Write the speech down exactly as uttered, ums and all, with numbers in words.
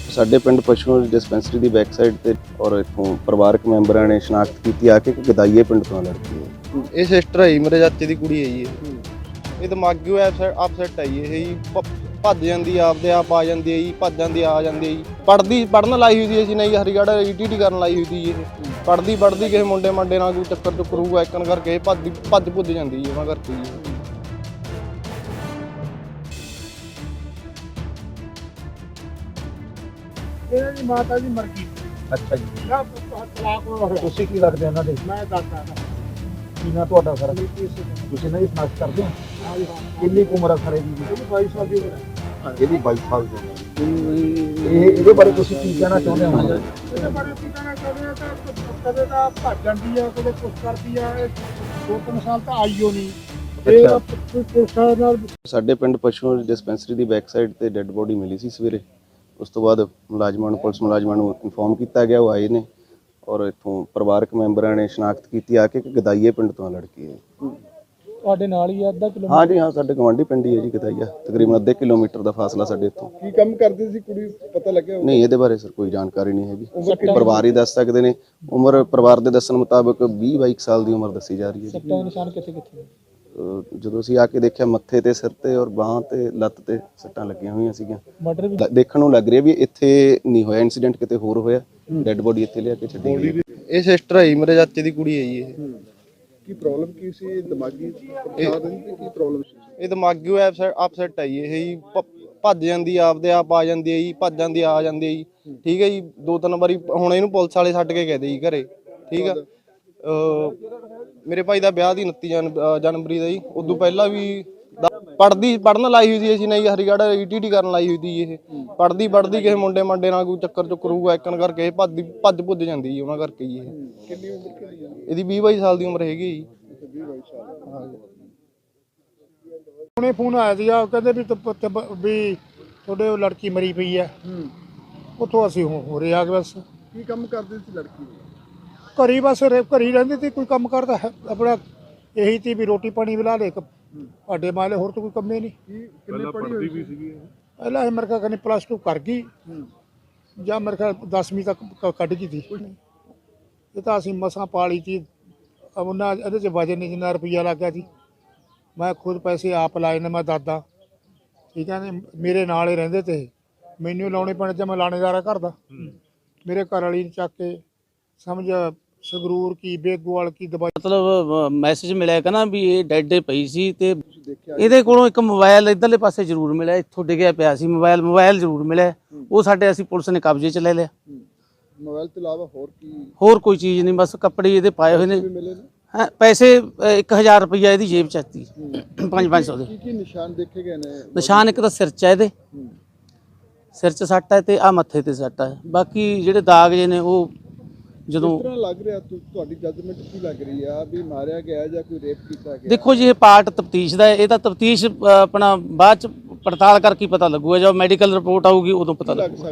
ਸਾਡੇ ਪਿੰਡ ਪਸ਼ੂ ਡਿਸਪੈਂਸਰੀ ਦੀ ਬੈਕ ਸਾਈਡ ਤੇ ਔਰ ਇੱਥੋਂ ਪਰਿਵਾਰਕ ਮੈਂਬਰਾਂ ਨੇ ਸ਼ਨਾਖਤ ਕੀਤੀ ਆ ਕਿ ਗਦਾਈਏ ਪਿੰਡ ਤੋਂ ਲੜਕੀ ਹੈ। ਇਹ ਸਿਸਟਰ ਹੈ ਜੀ, ਮੇਰੇ ਚਾਚੇ ਦੀ ਕੁੜੀ ਹੈ ਜੀ। ਇਹ ਇਹ ਦਿਮਾਗੀ ਅਪਸੈਟ ਹੈ ਜੀ। ਇਹ ਜੀ ਭੱਜ ਜਾਂਦੀ ਆ, ਆਪਦੇ ਆਪ ਆ ਜਾਂਦੀ ਹੈ ਜੀ, ਭੱਜ ਜਾਂਦੀ ਆ ਜਾਂਦੀ ਹੈ ਜੀ। ਪੜ੍ਹਦੀ ਪੜ੍ਹਨ ਲਾਈ ਹੋਈ ਸੀ ਅਸੀਂ ਨਹੀਂ ਹਰੀਗੜ੍ਹ ਈਟੀਟੀ ਕਰਨ ਲਾਈ ਹੋਈ ਸੀ ਇਹ। ਪੜ੍ਹਦੀ ਪੜ੍ਹਦੀ ਕਿਸੇ ਮੁੰਡੇ ਮੰਡੇ ਨਾਲ ਕੋਈ ਚੱਕਰ ਚੁੱਕਰ ਹੋਊਗਾ ਇੱਕਨ ਕਰਕੇ ਇਹ ਭੱਜ ਭੱਜ ਭੁੱਜ ਜਾਂਦੀ ਜੀ ਉਹਨਾਂ ਕਰਕੇ ਜੀ। ਇਹਨਾਂ ਦੀ ਮਾਤਾ ਜੀ ਮਰ ਗਈ। ਅੱਛਾ ਜੀ, ਨਾ ਤਲਾਕ ਹੋਇਆ। ਤੁਸੀਂ ਕੀ ਲੱਗਦੇ ਉਹਨਾਂ ਦੇ? ਮੈਂ ਦਾਦਾ ਦਾ ਕੀ ਨਾਂ ਤੁਹਾਡਾ ਸਰ? ਤੁਸੀਂ ਇਹਨਾਂ ਦੀ ਸ਼ਨਾਖਤ ਕਰਦੇ ਹੋ? ਕਿੰਨੀ ਕੁ ਉਮਰ ਆ ਸਰ ਇਹਦੀ? ਇਹਦੀ ਬਾਈ ਸਾਲ ਦੀ ਉਮਰ ਹੈ। ਇਹਦੀ ਬਾਈ ਸਾਲ ਦੀ ਉਮਰ। ਇਹ ਇਹਦੇ ਬਾਰੇ ਤੁਸੀਂ ਕੀ ਕਹਿਣਾ ਚਾਹੁੰਦੇ ਹੋ? ਇਹਦੇ ਬਾਰੇ ਕੀ ਕਹਿਣਾ ਚਾਹੁੰਦੇ ਆ ਤਾਂ ਕਦੇ ਤਾਂ ਭੱਜ ਜਾਂਦੀ ਆ, ਕਦੇ ਕੁਛ ਕਰਦੀ ਆ। ਇਹ ਦੋ ਤਿੰਨ ਸਾਲ ਤਾਂ ਆਈਓ ਨਹੀਂ। ਇਹ ਪੁਲਿਸ ਨਾਲ ਸਾਡੇ ਪਿੰਡ ਪਸ਼ੂ ਡਿਸਪੈਂਸਰੀ ਦੀ ਬੈਕ ਸਾਈਡ ਤੇ ਡੈੱਡ ਬੋਡੀ ਮਿਲੀ ਸੀ ਸਵੇਰੇ। ਉਸ ਤੋਂ ਬਾਅਦ ਮੁਲਾਜ਼ਮਾਂ ਨੂੰ ਪੁਲਿਸ ਮੁਲਾਜ਼ਮਾਂ ਨੂੰ ਇਨਫੋਰਮ ਕੀਤਾ ਗਿਆ, ਉਹ ਆਏ ਨੇ ਔਰ ਇੱਥੋਂ ਪਰਿਵਾਰਕ ਮੈਂਬਰਾਂ ਨੇ ਸ਼ਨਾਖਤ ਕੀਤੀ ਆ ਕਿ ਗਦਾਈਏ ਪਿੰਡ ਤੋਂ ਲੜਕੀ ਹੈ। ਤੁਹਾਡੇ ਨਾਲ ਹੀ ਆ, ਅੱਧਾ ਕਿਲੋਮੀਟਰ? ਹਾਂ ਜੀ ਹਾਂ, ਸਾਡੇ ਗਵਾਂਢੀ ਪਿੰਡ ਹੀ ਹੈ ਜੀ ਗਦਾਈਆ, ਤਕਰੀਬਨ ਅੱਧੇ ਕਿਲੋਮੀਟਰ ਦਾ ਫਾਸਲਾ ਸਾਡੇ ਇੱਥੋਂ। ਕੀ ਕੰਮ ਕਰਦੀ ਸੀ ਕੁੜੀ, ਪਤਾ ਲੱਗਿਆ? ਨਹੀਂ, ਇਹਦੇ ਬਾਰੇ ਸਰ ਕੋਈ ਜਾਣਕਾਰੀ ਨਹੀਂ ਹੈਗੀ। ਪਰਿਵਾਰ ਹੀ ਦੱਸ ਸਕਦੇ ਨੇ। ਉਮਰ ਪਰਿਵਾਰ ਦੇ ਦੱਸਣ ਮੁਤਾਬਕ ਵੀਹ ਬਾਈ ਸਾਲ ਦੀ ਉਮਰ ਦੱਸੀ ਜਾ ਰਹੀ ਹੈ ਜੀ। ਸੱਟਾਂ ਦੇ ਨਿਸ਼ਾਨ ਕਿੱਥੇ ਕਿੱਥੇ? ਜਦੋਂ ਅਸੀਂ ਆ ਕੇ ਦੇਖਿਆ ਮੱਥੇ ਤੇ, ਸਿਰ ਤੇ ਔਰ ਬਾਹਾਂ ਤੇ, ਲੱਤ ਤੇ ਸੱਟਾਂ ਲੱਗੀਆਂ ਹੋਈਆਂ ਸੀਗੀਆਂ। ਮਰਡਰ ਵੀ ਦੇਖਣ ਨੂੰ ਲੱਗ ਰਿਹਾ ਵੀ ਇੱਥੇ ਨਹੀਂ ਹੋਇਆ ਇਨਸੀਡੈਂਟ, ਕਿਤੇ ਹੋਰ ਹੋਇਆ। ਡੈੱਡ ਬੋਡੀ ਇੱਥੇ ਲਿਆ ਕੇ ਛੱਡੀ ਗਈ। ਇਹ ਸਿਸਟਰ ਹੈ ਜੀ, ਮੇਰੇ ਚਾਚੇ ਦੀ ਕੁੜੀ ਹੈ ਜੀ। ਇਹ ਕੀ ਪ੍ਰੋਬਲਮ ਕੀ ਸੀ? ਦਿਮਾਗੀ ਪਰੇਸ਼ਾਨ ਦੀ ਕੀ ਪ੍ਰੋਬਲਮ ਸੀ? ਇਹ ਦਿਮਾਗੀ ਅਪਸੈਟ ਹੈ ਜੀ। ਇਹ ਜੀ ਭੱਜ ਜਾਂਦੀ ਆ, ਆਪਦੇ ਆਪ ਆ ਜਾਂਦੀ ਹੈ ਜੀ, ਭੱਜ ਜਾਂਦੀ ਆ ਜਾਂਦੀ ਹੈ ਜੀ। ਠੀਕ ਹੈ ਜੀ, ਦੋ ਤਿੰਨ ਵਾਰੀ ਹੁਣ ਇਹਨੂੰ ਪੁਲਿਸ ਵਾਲੇ ਛੱਡ ਕੇ ਗਏ ਜੀ ਘਰੇ। ਠੀਕ ਆ, ਮੇਰੇ ਭਾਈ ਦਾ ਵਿਆਹ ਦੀ ਉਨੱਤੀ ਜਨਵਰੀ ਦਾ ਜੀ। ਉਦੋਂ ਪਹਿਲਾਂ ਵੀ ਪੜ੍ਹਦੀ ਪੜ੍ਹਨ ਲਾਈ ਹੋਈ ਸੀ ਅਸੀਂ ਨਹੀਂ ਹਰੀਗੜ੍ਹ ਈਟੀਟੀ ਕਰਨ ਲਾਈ ਹੋਈ ਸੀ ਇਹ। ਪੜ੍ਹਦੀ ਪੜ੍ਹਦੀ ਕਿਸੇ ਮੁੰਡੇ ਮੰਡੇ ਨਾਲ ਕੋਈ ਚੱਕਰ ਚੁੱਕਰ ਹੋਊਗਾ ਇੱਕਨ ਕਰਕੇ ਇਹ ਭੱਜ ਭੱਜ ਭੁੱਜ ਜਾਂਦੀ ਜੀ ਉਹਨਾਂ ਕਰਕੇ ਜੀ। ਇਹ ਕਿੰਨੀ ਉਮਰ ਕਿੰਨੀ ਹੈ ਇਹਦੀ ਵੀਹ ਬਾਈ ਸਾਲ ਦੀ ਉਮਰ ਹੈਗੀ ਜੀ। ਵੀਹ ਬਾਈ ਸਾਲ। ਹਾਂ ਜੀ। ਹੁਣੇ ਫੋਨ ਆਇਆ ਸੀ, ਉਹ ਕਹਿੰਦੇ ਵੀ ਤੁ- ਵੀ ਤੁਹਾਡੇ ਉਹ ਲੜਕੀ ਮਰੀ ਪਈ ਹੈ। ਉੱਥੋਂ ਅਸੀਂ ਹੋ ਰਹੇ ਆ ਗਏ। ਬਸ ਕੀ ਕੰਮ ਕਰਦੀ ਸੀ ਲੜਕੀ? ਘਰੀ ਬਸ ਘਰੀ ਰਹਿੰਦੀ ਸੀ, ਕੋਈ ਕੰਮ ਕਰਦਾ ਹੈ ਆਪਣਾ ਇਹੀ ਤੀ ਵੀ ਰੋਟੀ ਪਾਣੀ ਬਣਾ ਲੈ ਆਡੇ ਮਾਲੇ, ਹੋਰ ਤਾਂ ਕੋਈ ਕੰਮ ਹੀ ਨਹੀਂ। ਕਿੰਨੇ ਪੜ੍ਹੀ ਹੋਈ ਸੀ? ਪਹਿਲਾਂ ਇਹ ਮੇਰੇ ਖਿਆਲ ਪਲੱਸ ਟੂ ਕਰ ਗਈ ਜਾਂ ਮੇਰੇ ਖਿਆਲ ਦਸਵੀਂ ਤੱਕ ਕੱਢ ਗਈ ਸੀ। ਇਹ ਤਾਂ ਅਸੀਂ ਮਸਾਂ ਪਾਲੀ ਸੀ। ਉਹਨਾਂ ਇਹਦੇ 'ਚ ਵਜਨ ਨਹੀਂ, ਜਿੰਨਾ ਰੁਪਈਆ ਲੱਗ ਗਿਆ ਸੀ। ਮੈਂ ਖੁਦ ਪੈਸੇ ਆਪ ਲਾਏ ਨੇ, ਮੈਂ ਦਾਦਾ। ਠੀਕ ਹੈ ਨੇ, ਮੇਰੇ ਨਾਲ ਹੀ ਰਹਿੰਦੇ ਤੇ ਮੈਨੂੰ ਲਾਉਣੇ ਪੈਣੇ ਤੇ ਮੈਂ ਲਾਣੇਦਾਰਾ ਘਰ ਦਾ। ਮੇਰੇ ਘਰ ਵਾਲੀ ਨੂੰ ਚੱਕ ਕੇ ਸਮਝ ਸੰਗਰੂਰ ਕੀ ਬੇਗੋਵਾਲ ਕੀ ਦਵਾਈ। ਮਤਲਬ ਮੈਸੇਜ ਮਿਲਿਆ ਕਿ ਨਾ ਵੀ ਇਹ ਡੈਡ ਪਈ ਸੀ ਤੇ ਇਹਦੇ ਕੋਲੋਂ ਇੱਕ ਮੋਬਾਈਲ ਇਧਰਲੇ ਪਾਸੇ ਜ਼ਰੂਰ ਮਿਲਿਆ, ਇੱਥੋਂ ਡਿੱਗਿਆ ਪਿਆ ਸੀ ਮੋਬਾਈਲ ਮੋਬਾਈਲ ਜ਼ਰੂਰ ਮਿਲਿਆ। ਉਹ ਸਾਡੇ ਅਸੀਂ ਪੁਲਿਸ ਨੇ ਕਬਜ਼ੇ 'ਚ ਲੈ ਲਿਆ। ਮੋਬਾਈਲ ਤੋਂ ਇਲਾਵਾ ਹੋਰ ਕੀ? ਹੋਰ ਕੋਈ ਚੀਜ਼ ਨਹੀਂ, ਬਸ ਕੱਪੜੇ ਇਹਦੇ ਪਾਏ ਹੋਏ ਨੇ। ਹਾਂ, ਪੈਸੇ ਇੱਕ ਹਜ਼ਾਰ ਰੁਪਈਆ ਇਹਦੀ ਜੇਬ 'ਚ ਸੀ, ਪੰਜ ਪੰਜ ਸੌ ਦੇ। ਕੀ ਕੀ ਨਿਸ਼ਾਨ ਦੇਖੇ ਗਏ ਨੇ? ਨਿਸ਼ਾਨ ਇੱਕ ਤਾਂ ਸਿਰ 'ਚ ਹੈ, ਇਹਦੇ ਸਿਰ 'ਚ ਸੱਟ ਹੈ ਤੇ ਆ ਮੱਥੇ ਤੇ ਸੱਟ ਹੈ। ਬਾਕੀ ਜਿਹੜੇ ਦਾਗ ਜੇ ਨੇ ਉਹ ਜਦੋਂ ਕਿਸ ਤਰ੍ਹਾਂ ਲੱਗ ਰਿਹਾ, ਤੁਹਾਡੀ ਜੱਜਮੈਂਟ ਕੀ ਲੱਗ ਰਹੀ ਆ ਵੀ ਮਾਰਿਆ ਗਿਆ ਜਾਂ ਕੋਈ ਰੇਪ ਕੀਤਾ ਗਿਆ? ਦੇਖੋ ਜੀ, ਇਹ ਪਾਰਟ ਤਫਤੀਸ਼ ਦਾ ਹੈ। ਇਹ ਤਾਂ ਤਫਤੀਸ਼ ਆਪਣਾ ਬਾਅਦ 'ਚ ਪੜਤਾਲ ਕਰਕੇ ਪਤਾ ਲੱਗੂਗਾ। ਜਦੋਂ ਮੈਡੀਕਲ ਰਿਪੋਰਟ ਆਊਗੀ ਉਦੋਂ ਪਤਾ ਲੱਗੂਗਾ।